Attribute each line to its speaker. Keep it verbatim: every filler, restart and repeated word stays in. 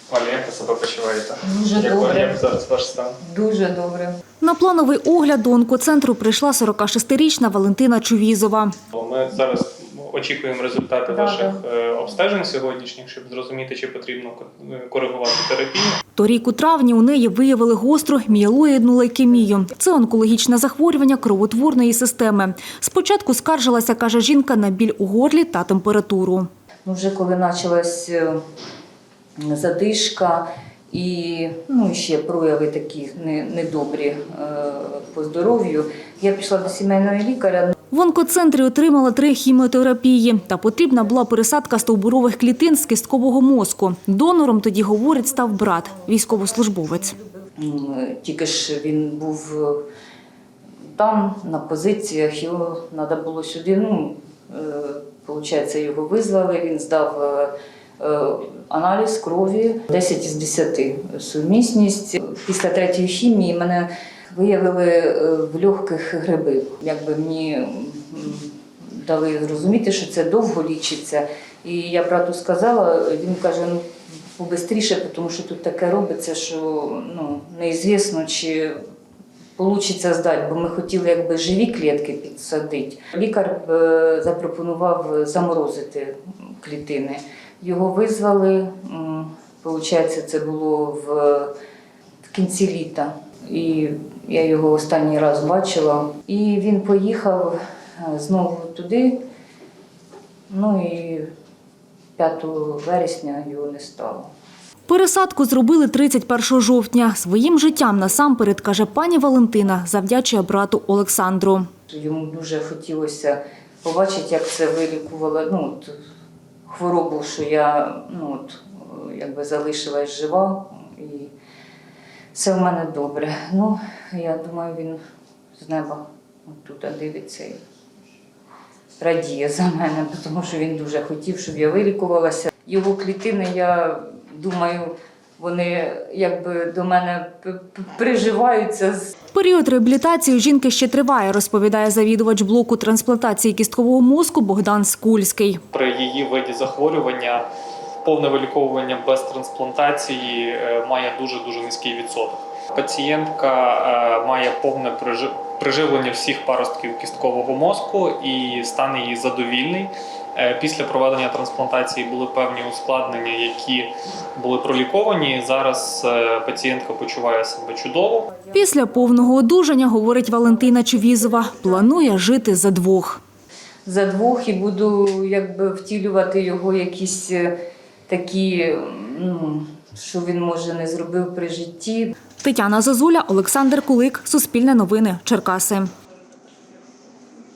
Speaker 1: Валя, як ви себе почуваєте?
Speaker 2: Дуже
Speaker 1: як,
Speaker 2: добре.
Speaker 1: Як зараз ваш стан?
Speaker 2: Дуже добре.
Speaker 3: На плановий огляд до онкоцентру прийшла сорокашестирічна Валентина Чувізова.
Speaker 1: Ми зараз очікуємо результати
Speaker 2: Да,
Speaker 1: ваших да. обстежень сьогоднішніх, щоб зрозуміти, чи потрібно коригувати терапію.
Speaker 3: Торік у травні у неї виявили гостру мієлоїдну лейкемію. Це онкологічне захворювання кровотворної системи. Спочатку скаржилася, каже жінка, на біль у горлі та температуру.
Speaker 2: Ну, вже коли почалась задишка і ну, ще прояви такі недобрі е, по здоров'ю, я пішла до сімейного лікаря.
Speaker 3: В онкоцентрі отримала три хіміотерапії та потрібна була пересадка стовбурових клітин з кісткового мозку. Донором тоді, говорить, став брат, військовослужбовець.
Speaker 2: Тільки ж він був там, на позиціях, його треба було сюди, ну, виходить, його визвали, він здав аналіз крові, десять із десяти сумісність. Після третьої хімії мене виявили в легких гриби. Якби мені дали зрозуміти, що це довго лічиться. І я брату сказала, він каже, ну, побистріше, тому що тут таке робиться, що ну, неізвісно, чи вийде здати, бо ми хотіли якби живі клітки підсадити. Лікар запропонував заморозити клітини. Його визвали, виходить, це було в, в кінці літа. І я його останній раз бачила. І він поїхав знову туди, ну і п'ятого вересня його не стало.
Speaker 3: Пересадку зробили тридцять першого жовтня. Своїм життям насамперед, каже пані Валентина, завдячує брату Олександру.
Speaker 2: Йому дуже хотілося побачити, як це вилікувало ну, от, хворобу, що я ну, от, якби залишилась жива. І все в мене добре. Ну, я думаю, він з неба тут дивиться і радіє за мене, тому що він дуже хотів, щоб я вилікувалася. Його клітини, я думаю, вони якби до мене приживаються.
Speaker 3: Період реабілітації у жінки ще триває, розповідає завідувач блоку трансплантації кісткового мозку Богдан Скульський.
Speaker 1: При її виді захворювання повне виліковування без трансплантації має дуже-дуже низький відсоток. Пацієнтка має повне приживлення всіх паростків кісткового мозку і стан її задовільний. Після проведення трансплантації були певні ускладнення, які були проліковані. Зараз пацієнтка почуває себе чудово.
Speaker 3: Після повного одужання, говорить Валентина Чувізова, планує жити за двох.
Speaker 2: За двох і буду якби втілювати його якісь такі, ну, що він, може, не зробив при житті.
Speaker 3: Тетяна Зозуля, Олександр Кулик, Суспільне новини, Черкаси.